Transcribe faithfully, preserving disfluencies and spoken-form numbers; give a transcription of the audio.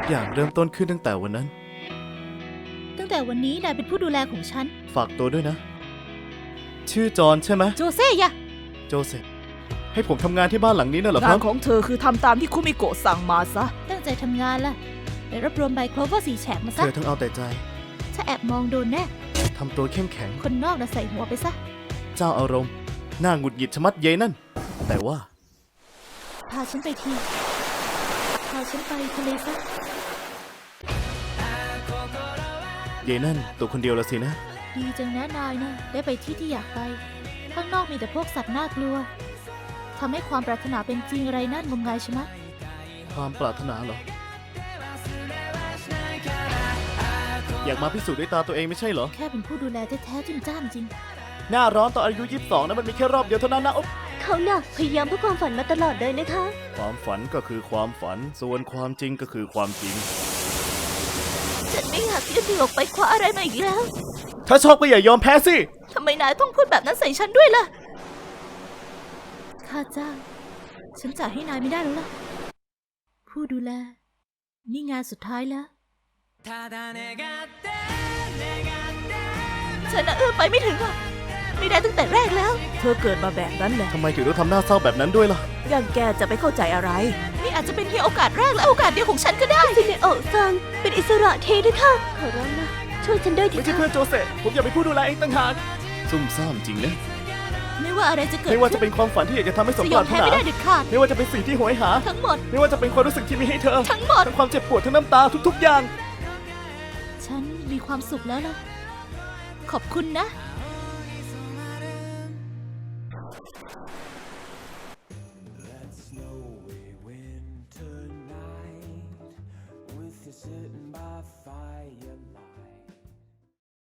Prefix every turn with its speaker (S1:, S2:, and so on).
S1: อย่างเริ่มต้นขึ้นตั้งแต่วันนั้น
S2: ตั้งแต่วันนี้นายเป็นผู้ดูแลของฉัน
S1: ฝากตัวด้วยนะ ชื่อจอห์นใช่ไหม
S2: โจเซ่ยะ
S1: โจเซฟให้ผมทำงานที่บ้านหลังนี้น่ะเหรอค
S3: งา
S1: รั
S3: น
S1: บ
S3: ของเธอคือทำตามที่คุมิโกะสั่งมาซะ
S2: ตั้งใจทำงานล่ะไปรวบรวมใบโคลเวอร์สีแฉกมา
S1: เธ
S2: ซะ
S1: อทั้งเอาแต่ใจ
S2: ถ้าแอบมองโดนแน่
S1: ทำตัวเข้มแข็ง
S2: คนนอกน่ะใส่หัวไปซะ
S1: เจ้าอารมณ์หน้าหงุดหงิดชะมัดเยนั่น แต่ว่า
S2: พาฉันไปที พาฉันไปทะเลซะ
S1: เยนั่นตัวคนเดียวละสินะ
S2: ดีจังนะนายนะได้ไปที่ที่อยากไป ข้างนอกมีแต่พวกสัตว์น่ากลัวทำให้ความปรารถนาเป็นจริงอะไรนั่นงมงายใช่ไหมะ
S1: ความปรารถนาเหรอ อยากมาพิสูจน์ด้วยตาตัวเองไม่ใช่เหรอ
S2: แค่เป็นผู้ดูแลแท้ๆจิ้มจ้ามจริง
S1: หน้าร้อนตอนอายุยี่สิบสองนะมันมีแค่รอบเดียวเท่านั้นนะอุ๊บ
S4: เขาน่ะพยายามเพื่อความฝันมาตลอดเลยนะคะ
S1: ความฝันก็คือความฝัน ส่วนความจริงก็คือความจริง
S2: ฉันไม่อยากยืดมือออกไปคว้าอะไรมาอีกแล้ว
S1: ถ้าชอบก็อย่ายอมแพ้สิ
S2: ทำไมนายต้องพูดแบบนั้นใส่ฉันด้วยล่ะ ข้าจ้าง ฉันจ่ายให้นายไม่ได้แล้วล่ะ ผู้ดูแล นี่งานสุดท้ายแล้ว ฉันน่ะเอื้อมไปไม่ถึงอ่ะ ไม่ได้ตั้งแต่แรกแล้ว
S3: เธอเกิดมาแบบนั้นแหละ
S1: ทำไมถึงต้องทำหน้าเศร้าแบบนั้นด้วยล่ะ
S3: อย่างแกจะไปเข้าใจอะไร
S2: นี่อาจจะเป็นเพียงโอกาสแรกและโอกาสเดียวของฉันก็ได้
S4: ซินเนโอะซังเป็นอิสระเทด้วยค่ะ ขอร้องนะ ช่วยฉันด้วยที
S1: ไม่ใช่
S4: ค่ะ
S1: เพื่อนโจเซฟผมอยากเป็นผู้ดูแลเองต่างหากซุ่มซ่ามจริงนะ
S2: ไม่ว่าอะไรจะเกิด
S1: ไม่ว่าจะ
S2: ขึ้น
S1: เป็นความฝันที่อยากจะทำให้สม
S2: จะ
S1: ป
S2: ยอ
S1: ราม รถ
S2: แพ้
S1: นา
S2: ไม่ได้เด็ดขาด
S1: ไม่ว่าจะเป็นสิ่งที่โหยหา
S2: ทั้งหมด
S1: ไม่ว่าจะเป็นความรู้สึกที่มีให้เธอ
S2: ทั้งหมด
S1: ทั้งความเจ็บปวดทั้งน้ำตาทุกๆอย่าง
S2: ฉันมีความสุขแล้วล่ะ ขอบคุณนะ